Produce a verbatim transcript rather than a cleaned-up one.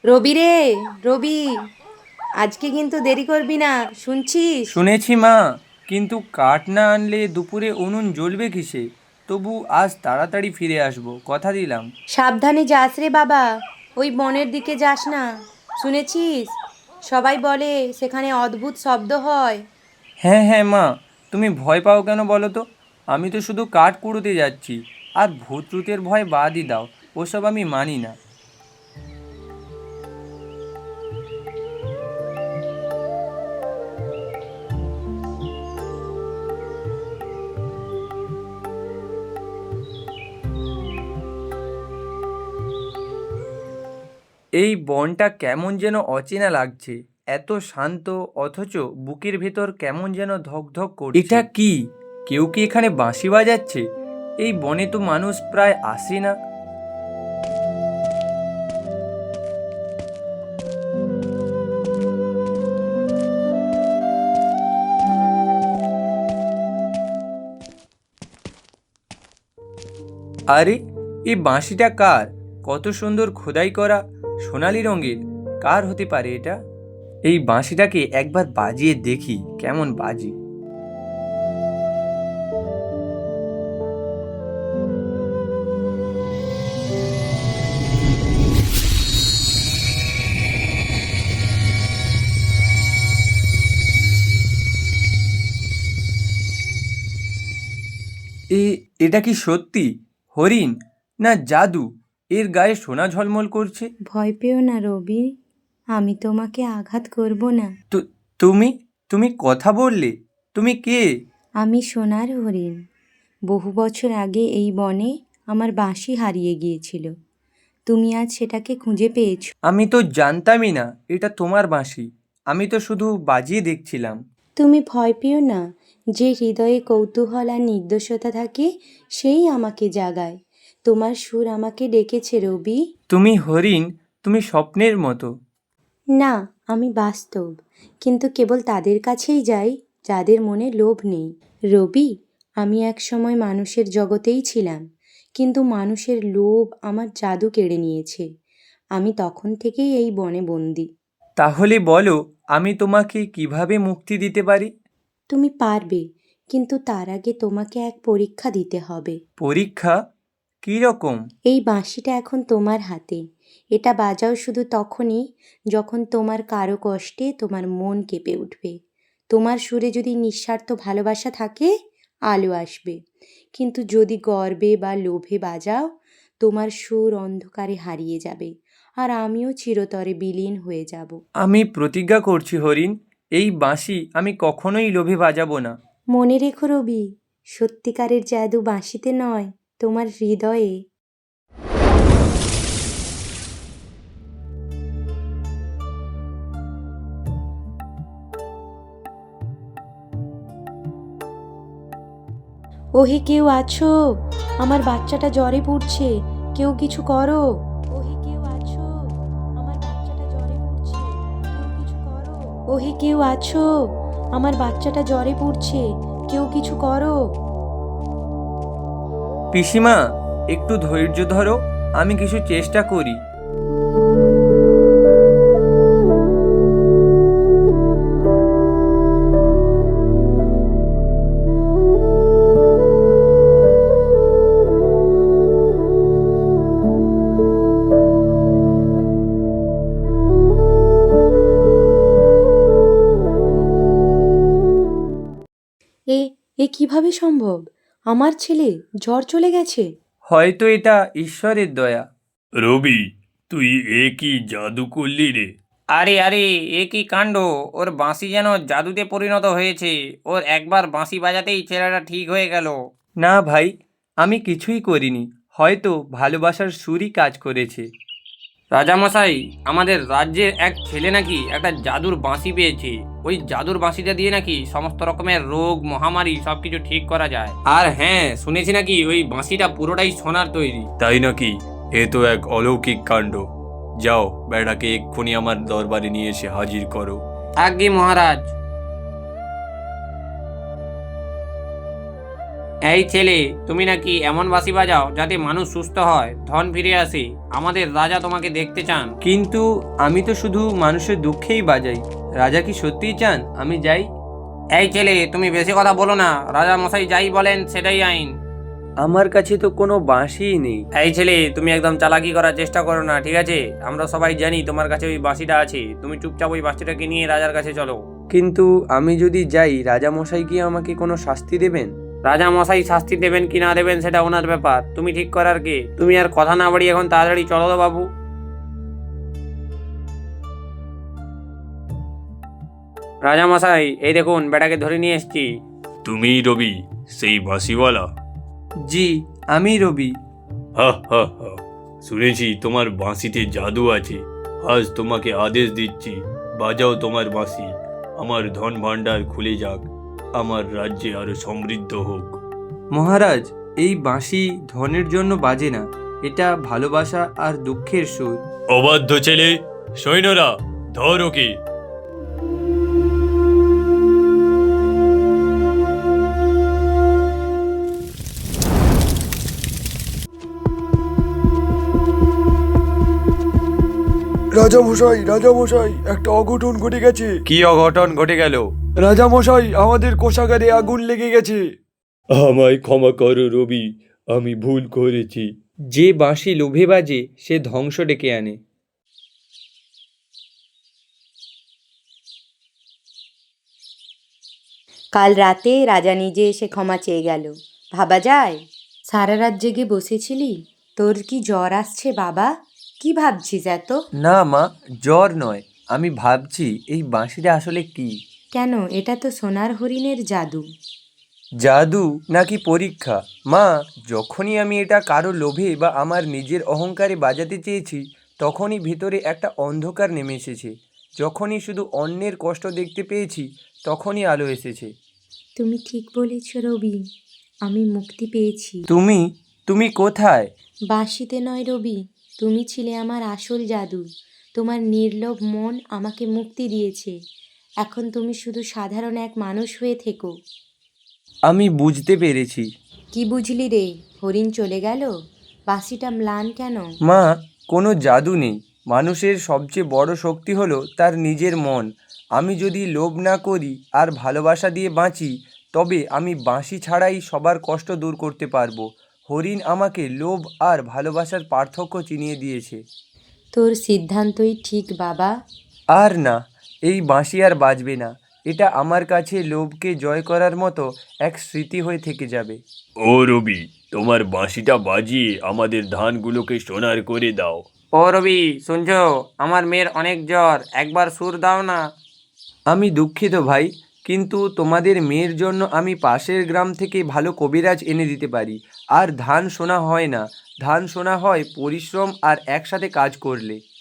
রবি রে, রবি, আজকে কিন্তু দেরি করবি না, শুনছিস? শুনেছি মা, কিন্তু কাঠ না আনলে দুপুরে উনুন জ্বলবে কিসে? তবু আজ তাড়াতাড়ি ফিরে আসবো, কথা দিলাম। সাবধানে যাস রে বাবা, ওই বনের দিকে যাস না। শুনেছিস, সবাই বলে সেখানে অদ্ভুত শব্দ হয়। হ্যাঁ হ্যাঁ মা, তুমি ভয় পাও কেন বলো তো? আমি তো শুধু কাঠ কুড়োতে যাচ্ছি। আর ভূত টুতের ভয় বাদই দাও, ওসব আমি মানি না। এই বনটা কেমন যেন অচেনা লাগছে। এত শান্ত, অথচ বুকের ভেতর কেমন যেন ধকধক করছে। এটা কি? কেউ কি এখানে বাঁশি বাজাচ্ছে? এই বনে তো মানুষ প্রায় আসে না। আরে, এই বাঁশিটা কার? কত সুন্দর খোদাই করা, সোনালি রঙের। কার হতে পারে এটা? এই বাঁশিটাকে একবার বাজিয়ে দেখি কেমন বাজি। এ এটা কি সত্যি হরিণ, না জাদু? এর গায়ে সোনা ঝলমল করছে। ভয় পেও না রবি, আমি তোমাকে আঘাত করব না। তো তুমি তুমি কথা বললে? তুমি কে? আমি সোনার হরিণ। বহু বছর আগে এই বনে আমার বাঁশি হারিয়ে গিয়েছিল। তুমি আজ সেটাকে খুঁজে পেয়েছো। আমি তো জানতামই না এটা তোমার বাঁশি। আমি তো শুধু বাজিয়ে দেখছিলাম। তুমি ভয় পেও না, যে হৃদয়ে কৌতূহল আর নির্দোষতা থাকে সেই আমাকে জাগায়। তোমার সুর আমাকে ডেকেছে রবি। তুমি হরিণ, তুমি স্বপ্নের মতো। না, আমি বাস্তব, কিন্তু কেবল তাদের কাছেই যাই যাদের মনে লোভ নেই। রবি, আমি এক সময় মানুষের জগতেই ছিলাম, কিন্তু মানুষের লোভ আমার জাদু কেড়ে নিয়েছে। আমি তখন থেকেই এই বনে বন্দি। তাহলে বলো, আমি তোমাকে কিভাবে মুক্তি দিতে পারি? তুমি পারবে, কিন্তু তার আগে তোমাকে এক পরীক্ষা দিতে হবে। পরীক্ষা? কী রকম? এই বাঁশিটা এখন তোমার হাতে। এটা বাজাও শুধু তখনই যখন তোমার কারো কষ্টে তোমার মন কেঁপে উঠবে। তোমার সুরে যদি নিঃস্বার্থ ভালোবাসা থাকে, আলো আসবে। কিন্তু যদি গর্বে বা লোভে বাজাও, তোমার সুর অন্ধকারে হারিয়ে যাবে, আর আমিও চিরতরে বিলীন হয়ে যাব। আমি প্রতিজ্ঞা করছি হরিণ, এই বাঁশি আমি কখনোই লোভে বাজাবো না। মনে রেখো রবি, সত্যিকারের জাদু বাঁশিতে নয়, তোমার হৃদয়ে। ওহে কেউ আছো? আমার বাচ্চাটা জ্বরে পড়ছে, কেউ কিছু করো। ওহে কেউ আছো? আমার বাচ্চাটা জ্বরে পড়ছে, কেউ কিছু করো। ওহে কেউ আছো? আমার বাচ্চাটা জ্বরে পড়ছে, কেউ কিছু করো। পিসিমা, একটু ধৈর্য ধরো, আমি কিছু চেষ্টা করি। এ এ কিভাবে সম্ভব? আমার ছেলে জ্বর চলে গেছে। হয়তো এটা ঈশ্বরের দয়া। রবি, তুই এ কি জাদু করলি রে? আরে আরে, এ কি কাণ্ড! ওর বাঁশি যেন জাদুতে পরিণত হয়েছে। ওর একবার বাঁশি বাজাতেই ছেলেটা ঠিক হয়ে গেল। না ভাই, আমি কিছুই করিনি। হয়তো ভালোবাসার সুরই কাজ করেছে। রাজামশাই, আমাদের রাজ্যের এক ছেলে নাকি একটা জাদুর বাঁশি পেয়েছে। ওই জাদুর বাঁশিটা দিয়ে নাকি সমস্ত রকমের রোগ মহামারী সবকিছু ঠিক করা যায়। আর হ্যাঁ, শুনেছি নাকি ওই বাঁশিটা পুরোটাই সোনার তৈরি। তাই নাকি? এ তো এক অলৌকিক কাণ্ড। যাও, বেড়াকে এক্ষুনি আমার দরবারে নিয়ে এসে হাজির করো। আজ্ঞে মহারাজ। এই ছেলে, তুমি নাকি এমন বাঁশি বাজাও যাতে মানুষ সুস্থ হয়, ধন ফিরে আসে। আমাদের রাজা তোমাকে দেখতে চান। কিন্তু আমি তো শুধু মানুষের দুঃখেই বাজাই। রাজা কি সত্যিই চান আমি যাই? এই ছেলে, তুমি বেশি কথা বলো না। রাজা মশাই যাই বলেন সেটাই আইন। আমার কাছে তো কোনো বাঁশিই নেই। এই ছেলে, তুমি একদম চালাকি করার চেষ্টা করো না, ঠিক আছে? আমরা সবাই জানি তোমার কাছে ওই বাঁশিটা আছে। তুমি চুপচাপ ওই বাঁশিটাকে নিয়ে রাজার কাছে চলো। কিন্তু আমি যদি যাই, রাজা মশাই কি আমাকে কোনো শাস্তি দেবেন? রাজা মশাই শাস্তি দেবেন কি না দেবেন সেটা ওনার ব্যাপার, তুমি ঠিক করার কে? তুমি আর কথা না বাড়ি এখন তাড়াতাড়ি চলো তো বাবু। রাজা মশাই, এই দেখুন বেটাকে ধরে নিয়ে এসেছি। তুমিই রবি, সেই বাঁশিওয়ালা? জি, আমি রবি। হা হা হা, শুনেছি তোমার বাঁশিতে জাদু আছে। আজ তোমাকে আদেশ দিচ্ছি, বাজাও তোমার বাঁশি। আমার ধন ভাণ্ডার খুলে যাক, আমার রাজ্যে আরো সমৃদ্ধ হোক। মহারাজ, এই বাঁশি ধনের জন্য বাজে না, এটা ভালোবাসা আর দুঃখের সুর। অবাধ্য ছেলে, সৈন্যরা ধর ওকে। রাজামশাই, রাজামশাই, একটা অঘটন ঘটে গেছে। কি অঘটন ঘটে গেল? রাজামশাই, আমাদের কোষাগারে আগুন লেগে গেছে। আমায় ক্ষমা করো রবি, আমি ভুল করেছি। যে বাঁশি লোভে বাজে সে ধ্বংস ডেকে আনে। কাল রাতে রাজা নিজে এসে ক্ষমা চেয়ে গেল। ভাবা যায়? সারা রাত জেগে বসেছিলি? তোর কি জ্বর আসছে বাবা? কি ভাবছিস এত? না মা, জ্বর নয়। আমি ভাবছি এই বাঁশিটা আসলে কি? কেন, এটা তো সোনার হরিণের জাদু। জাদু নাকি পরীক্ষা? মা, যখনই আমি এটা কারো লোভে বা আমার নিজের অহংকারে বাজাতে চেয়েছি, তখনই ভিতরে একটা অন্ধকার নেমে এসেছে। যখনই শুধু অন্যের কষ্ট দেখতে পেয়েছি, তখনই আলো এসেছে। তুমি ঠিক বলেছ রবি, আমি মুক্তি পেয়েছি। তুমি তুমি কোথায়? বাঁশিতে নয় রবি, তুমি ছিলে আমার আসল জাদু। তোমার নির্লোভ মন আমাকে মুক্তি দিয়েছে। এখন তুমি শুধু সাধারণ এক মানুষ হয়ে থেকো। আমি বুঝতে পেরেছি। কি বুঝলি রে? হরিণ চলে গেল, বাঁশিটা ম্লান কেন? মা, কোনো জাদু নেই। মানুষের সবচেয়ে বড় শক্তি হলো তার নিজের মন। আমি যদি লোভ না করি আর ভালোবাসা দিয়ে বাঁচি, তবে আমি বাঁশি ছাড়াই সবার কষ্ট দূর করতে পারবো। হরিণ আমাকে লোভ আর ভালোবাসার পার্থক্য চিনিয়ে দিয়েছে। তোর সিদ্ধান্তই ঠিক বাবা। আর না, এই বাঁশি আর বাজবে না। এটা আমার কাছে লোভকে জয় করার মতো এক স্মৃতি হয়ে থেকে যাবে। ও রবি, তোমার বাঁশিটা বাজিয়ে আমাদের ধানগুলোকে সোনার করে দাও। ও রবি, শুনছো? আমার মেয়ের অনেক জ্বর, একবার সুর দাও না। আমি দুঃখিত ভাই, কিন্তু তোমাদের মেয়ের জন্য আমি পাশের গ্রাম থেকে ভালো কবিরাজ এনে দিতে পারি। আর ধান সোনা হয় না, ধান সোনা হয় পরিশ্রম আর একসাথে কাজ করলে।